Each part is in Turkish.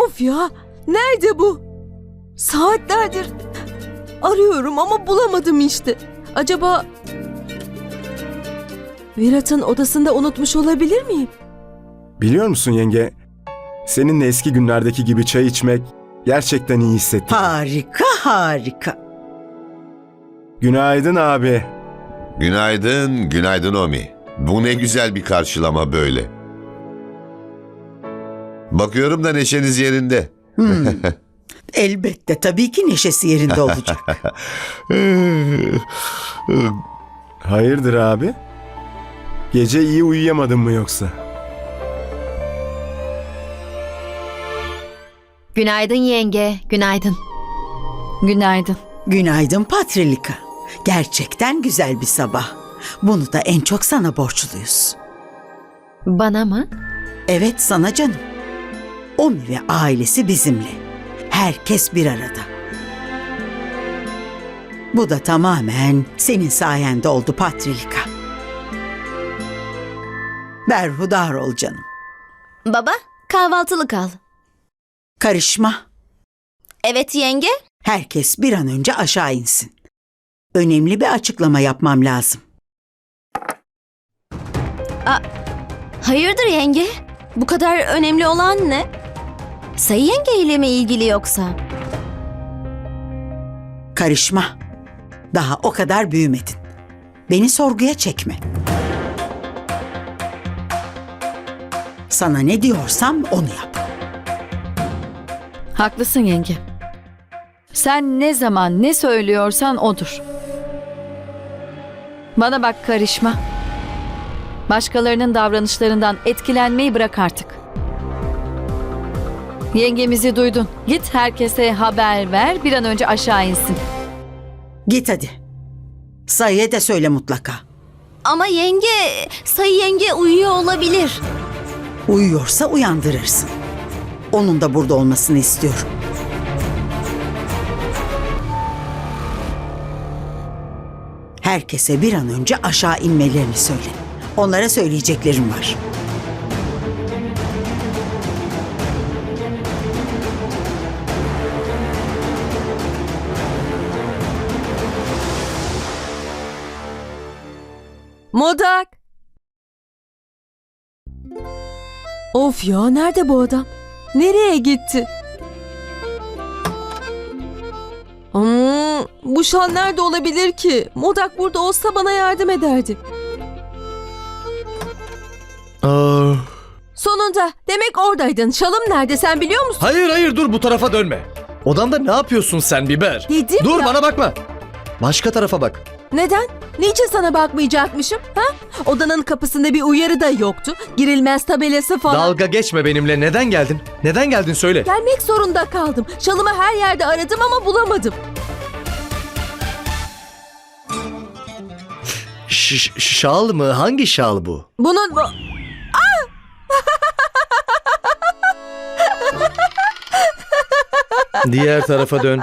Of ya! Nerede bu? Saatlerdir arıyorum ama bulamadım işte. Acaba Virat'ın odasında unutmuş olabilir miyim? Biliyor musun yenge, seninle eski günlerdeki gibi çay içmek gerçekten iyi hissettim. Harika, harika. Günaydın abi. Günaydın, günaydın Omi. Bu ne güzel bir karşılama böyle. Bakıyorum da neşeniz yerinde. Elbette, tabii ki neşesi yerinde olacak. Hayırdır abi? Gece iyi uyuyamadın mı yoksa? Günaydın yenge, günaydın. Günaydın. Günaydın Patrilika. Gerçekten güzel bir sabah. Bunu da en çok sana borçluyuz. Bana mı? Evet, sana canım. Omi ve ailesi bizimle. Herkes bir arada. Bu da tamamen senin sayende oldu Patrilika. Berhudar ol canım. Baba, kahvaltılık al. Karışma. Evet yenge. Herkes bir an önce aşağı insin. Önemli bir açıklama yapmam lazım. Hayırdır yenge? Bu kadar önemli olan ne? Sayı yenge ile mi ilgili yoksa? Karışma. Daha o kadar büyümedin. Beni sorguya çekme. Sana ne diyorsam onu yap. Haklısın yenge. Sen ne zaman ne söylüyorsan odur. Bana bak, karışma. Başkalarının davranışlarından etkilenmeyi bırak artık. Yengemizi duydun. Git herkese haber ver, bir an önce aşağı insin. Git hadi. Sayıya da söyle mutlaka. Ama yenge, Sayı yenge uyuyor olabilir. Uyuyorsa uyandırırsın. Onun da burada olmasını istiyorum. Herkese bir an önce aşağı inmelerini söyle. Onlara söyleyeceklerim var. Modak! Of ya, nerede bu adam? Nereye gitti? Bu şal nerede olabilir ki? Modak burada olsa bana yardım ederdi. Sonunda. Demek oradaydın. Şalım nerede, sen biliyor musun? Hayır dur, bu tarafa dönme. Odamda ne yapıyorsun sen Biber? Dedim Dur ya. bana bakma. Başka tarafa bak. Neden? Niçin sana bakmayacakmışım? Ha? Odanın kapısında bir uyarı da yoktu. Girilmez tabelası falan. Dalga geçme benimle. Neden geldin? Neden geldin söyle. Gelmek zorunda kaldım. Şalımı her yerde aradım ama bulamadım. Şal mı? Hangi şal bu? Bunun... Diğer tarafa dön.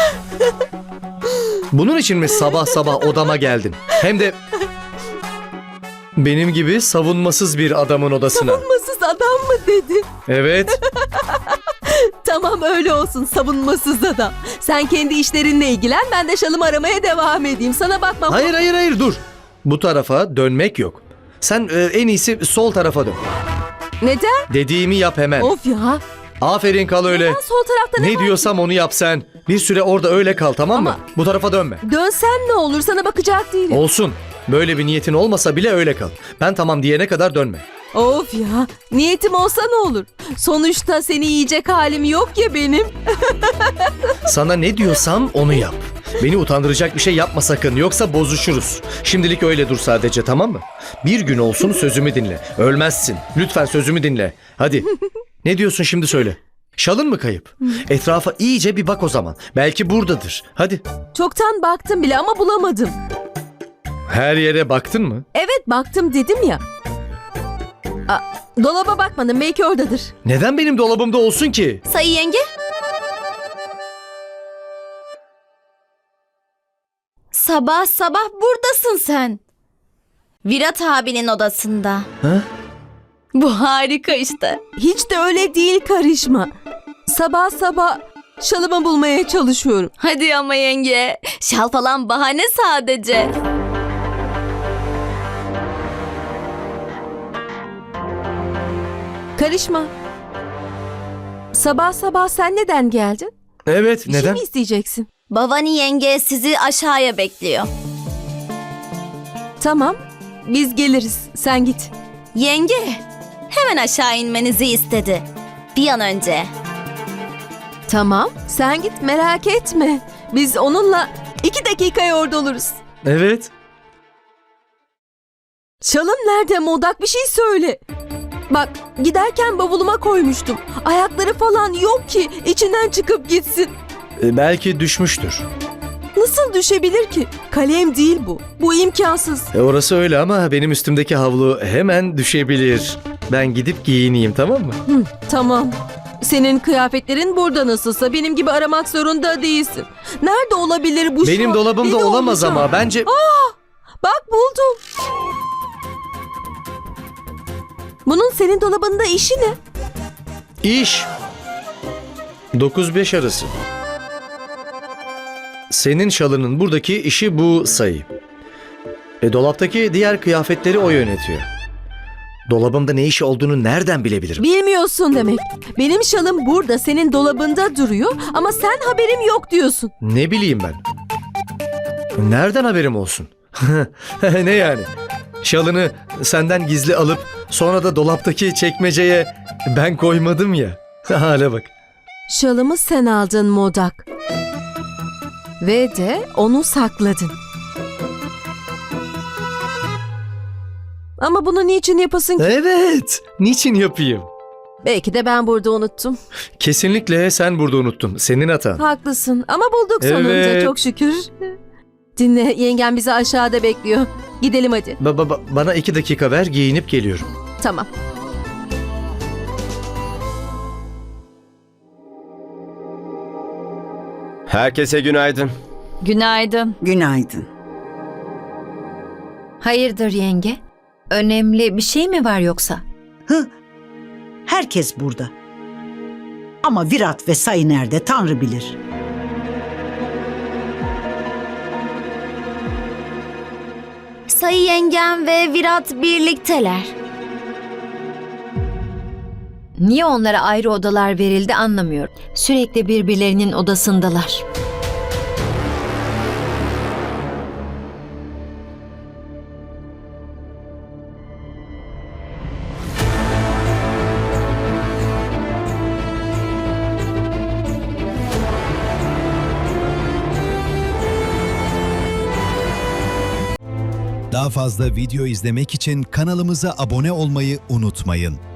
Bunun için mi sabah sabah odama geldin? Hem de benim gibi savunmasız bir adamın odasına. Savunmasız adam mı dedin? Evet. Tamam, öyle olsun, savunmasız adam. Sen kendi işlerinle ilgilen, ben de şalımı aramaya devam edeyim. Sana bakmam. Hayır dur. Bu tarafa dönmek yok. Sen en iyisi sol tarafa dön. Neden? Dediğimi yap hemen. Of ya. Aferin, kal öyle. Ben sol tarafta ne Ne var? diyorsam onu yap sen. Bir süre orada öyle kal, tamam mı? Ama- Bu tarafa dönme. Dönsen ne olur, sana bakacak değilim. Olsun. Böyle bir niyetin olmasa bile öyle kal. Ben tamam diyene kadar dönme. Of ya. Niyetim olsa ne olur? Sonuçta seni yiyecek halim yok ya benim. Sana ne diyorsam onu yap. Beni utandıracak bir şey yapma sakın, yoksa bozuşuruz. Şimdilik öyle dur sadece, tamam mı? Bir gün olsun sözümü dinle. Ölmezsin. Lütfen sözümü dinle. Hadi. Ne diyorsun şimdi söyle. Şalın mı kayıp? Etrafa iyice bir bak o zaman. Belki buradadır. Hadi. Çoktan baktım bile ama bulamadım. Her yere baktın mı? Evet, baktım dedim ya. Dolaba bakmadım, belki oradadır. Neden benim dolabımda olsun ki? Sayı yenge? Sabah sabah buradasın sen. Virat abinin odasında. Ha? Bu harika işte. Hiç de öyle değil, karışma. Sabah sabah şalımı bulmaya çalışıyorum. Hadi ama yenge. Şal falan bahane sadece. Karışma. Sabah sabah sen neden geldin? Evet, Bir şey neden? mi isteyeceksin? Bavani yenge sizi aşağıya bekliyor. Tamam, biz geliriz. Sen git. Yenge, hemen aşağı inmenizi istedi. Bir an önce. Tamam, sen git merak etme. Biz onunla 2 dakikaya orada oluruz. Evet. Şalım nerede Modak, bir şey söyle. Bak, giderken bavuluma koymuştum. Ayakları falan yok ki içinden çıkıp gitsin. Belki düşmüştür. Nasıl düşebilir ki? Kalem değil bu. Bu imkansız. Orası öyle ama benim üstümdeki havlu hemen düşebilir. Ben gidip giyineyim, tamam mı? Tamam. Senin kıyafetlerin burada nasılsa benim gibi aramak zorunda değilsin. Nerede olabilir bu şu Benim an? dolabımda Deli olamaz olacağım. ama bence... Bak buldum. Bunun senin dolabında işi ne? İş. 9-5 arası. Senin şalının buradaki işi bu sayı. Dolaptaki diğer kıyafetleri o yönetiyor. Dolabımda ne işi olduğunu nereden bilebilirim? Bilmiyorsun demek. Benim şalım burada senin dolabında duruyor ama sen haberim yok diyorsun. Ne bileyim ben. Nereden haberim olsun? Ne yani? Şalını senden gizli alıp sonra da dolaptaki çekmeceye ben koymadım ya. Hale bak. Şalımı sen aldın Modak. Ve de onu sakladın. Ama bunu niçin yapasın ki? Evet. Niçin yapayım? Belki de ben burada unuttum. Kesinlikle sen burada unuttun. Senin hatan. Haklısın ama bulduk sonunda Evet. çok şükür. Dinle, yengem bizi aşağıda bekliyor. Gidelim hadi. Bana 2 dakika ver, giyinip geliyorum. Tamam. Herkese günaydın. Günaydın. Günaydın. Hayırdır yenge? Önemli bir şey mi var yoksa? Herkes burada. Ama Virat ve Sayı nerede Tanrı bilir. Sayı yengem ve Virat birlikteler. Niye onlara ayrı odalar verildi anlamıyorum. Sürekli birbirlerinin odasındalar. Daha fazla video izlemek için kanalımıza abone olmayı unutmayın.